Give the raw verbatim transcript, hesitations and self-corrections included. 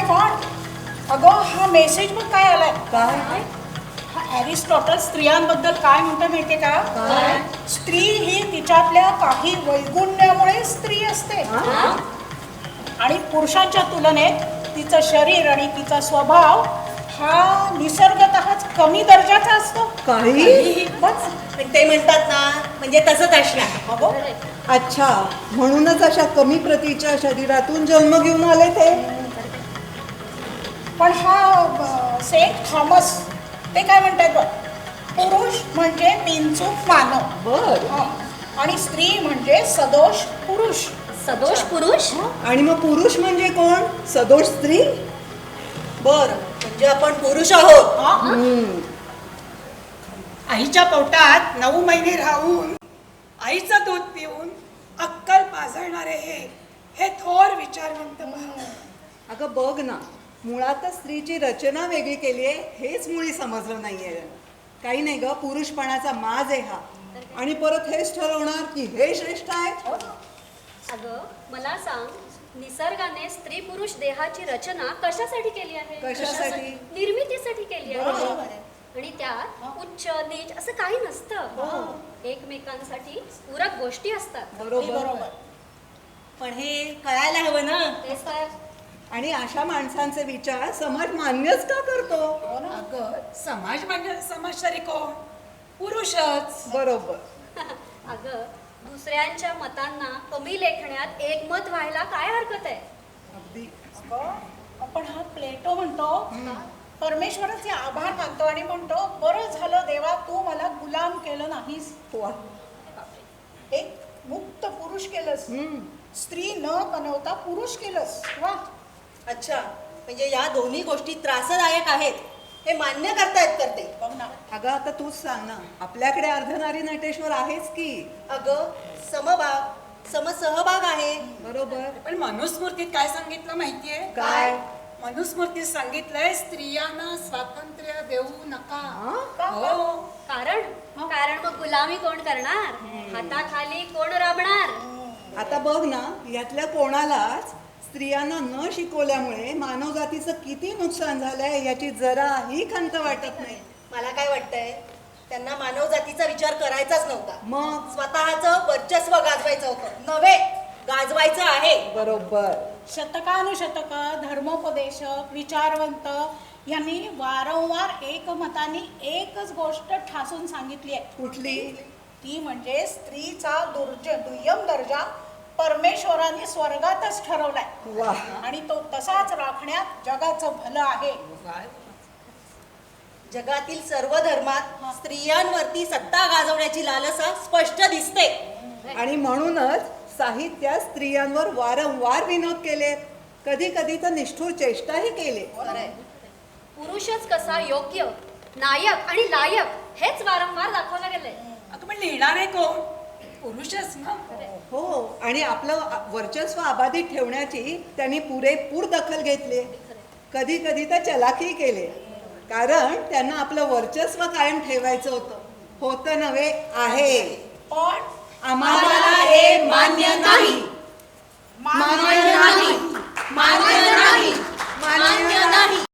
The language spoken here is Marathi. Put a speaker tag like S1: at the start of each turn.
S1: वॉन्ट. अगं हा मेसेज मग काय आलाय?
S2: काय?
S1: हा ॲरिस्टॉटल स्त्रियांबद्दल काय म्हणतो माहितीये का? स्त्री ही तिच्यातल्या काही वैगुण्यामुळे स्त्री असते आणि पुरुषांच्या तुलनेत तिचं शरीर आणि तिचा स्वभाव हा निसर्गतःच कमी दर्जाचा असतो.
S2: काही?
S1: बस.
S3: पण ते म्हणतात ना, म्हणजे तसंच असणार.
S1: अगं
S2: अच्छा, म्हणूनच अशा कमी प्रतीच्या शरीरातून जन्म घेऊन आले ते.
S1: पण हा सेंट थॉमस ते काय म्हणतात बघ, पुरुष म्हणजे बिनचूक मानव.
S2: बर.
S1: हं. आणि स्त्री म्हणजे सदोष पुरुष.
S4: सदोष पुरुष.
S2: आणि मग पुरुष म्हणजे कोण? सदोष स्त्री.
S3: बर, म्हणजे आपण पुरुष आहोत.
S1: हं?
S2: हम्म.
S5: आईच्या पोटात नऊ महिने राहून आईचं दूध पिऊन अक्कल पाजळणारे हे हे थोर विचारवंत भाव.
S2: अगं बघ ना, मुळातच स्त्रीची रचना वेगळी केली आहे हेच मुळी समजलं नाहीये. काही नाही ग, पुरुषपणाचा माज आहे हा. आणि परत हेच ठरवणार की हे श्रेष्ठ आहे.
S4: अगं मला सांग, निसर्गाने स्त्री पुरुष देहाची रचना कशासाठी केली आहे?
S2: कशासाठी?
S4: निर्मितीसाठी केली आहे.
S1: बरोबर आहे.
S4: आणि त्यात उच्च नीच असं काही नसतं. एकमेकांसाठी पूरक गोष्टी असतात.
S2: बरोबर.
S1: बरोबर.
S3: पण हे कळायला हवं ना.
S4: तेच तर.
S2: आणि अशा माणसांचे विचार समाज मान्यच का करतो?
S5: अगं समाज म्हणजे समाज तरी कोण? पुरुषच.
S2: बरोबर.
S4: अगं दुसऱ्यांच्या मतांना कमी लेखण्यात एकमत व्हायला काय हरकत आहे?
S2: अगदी.
S1: अगं, आपण हा प्लेटो म्हणतो, परमेश्वराचे आभार मानतो आणि म्हणतो बरं झालं देवा तू मला गुलाम केलं नाहीस,
S2: वा.
S1: एक मुक्त पुरुष केलंस,
S2: हम्म.
S1: स्त्री न बनवता पुरुष केलंस. वा.
S3: अच्छा, म्हणजे या दोन्ही गोष्टी त्रासदायक आहेत हे मान्य करतायत करते.
S1: बघ ना.
S2: अगं आता तूच सांग ना, आपल्याकडे अर्धनारी नटेश्वर आहेच की.
S3: अगं समभाग, समसहभाग आहे.
S2: बरोबर.
S5: पण मनुस्मृतीत काय सांगितलं माहितीये?
S2: काय?
S5: मनुस्मृतीत सांगितलंय स्त्रियांना स्वातंत्र्य देऊ नका.
S2: हा?
S1: का?
S5: हो.
S4: कारण कारण मग गुलामी कोण करणार? हाताखाली कोण राबणार?
S2: आता बघ ना, यातल्या कोणालाच स्त्रियांना न शिकवल्यामुळे मानवजातीचं किती नुकसान झालंय याची जराही खंत वाटत नाही.
S3: मला काय वाटतंय, त्यांना मानव जातीचा विचार करायचाच नव्हता.
S2: मग?
S3: स्वतःचं वर्चस्व गाजवायचं होतं, नव्हे गाजवायचं आहे.
S2: बरोबर.
S1: शतकानुशतक धर्मोपदेशक विचारवंत यांनी वारंवार एकमताने एकच गोष्ट ठासून सांगितली आहे.
S2: कुठली?
S1: ती म्हणजे स्त्रीचा दुर्ज दुय्यम दर्जा परमेश्वराने स्वर्गातच ठरवलाय
S2: वा.
S1: आणि तो तसाच राखण्यात जगाचं भलं आहे.
S3: जगातील सर्व धर्मात स्त्रियांवरती सत्ता गाजवण्याची लालसा स्पष्ट दिसते.
S2: आणि म्हणूनच साहित्यात स्त्रियांवर वारंवार विनोद केले, कधी कधी तर निष्ठुर चेष्टाही केले.
S4: पुरुषच कसा योग्य, नायक आणि लायक हेच वारंवार दाखवलं गेलंय.
S5: अगं पण लिहिणारे कोण? पुरुषच ना.
S2: हो. आणि आपलं वर्चस्व अबाधित ठेवण्याची त्यांनी पुरेपूर दखल घेतली, कधी कधी तर चलाखी केले. कारण त्यांना आपलं वर्चस्व कायम ठेवायचं होतं. होतं नव्हे, आहे.
S1: पण
S2: आम्हाला हे मान्य नाही.
S1: मान्य
S2: मान्य नाही. मान्य नाही. मान्य नाही.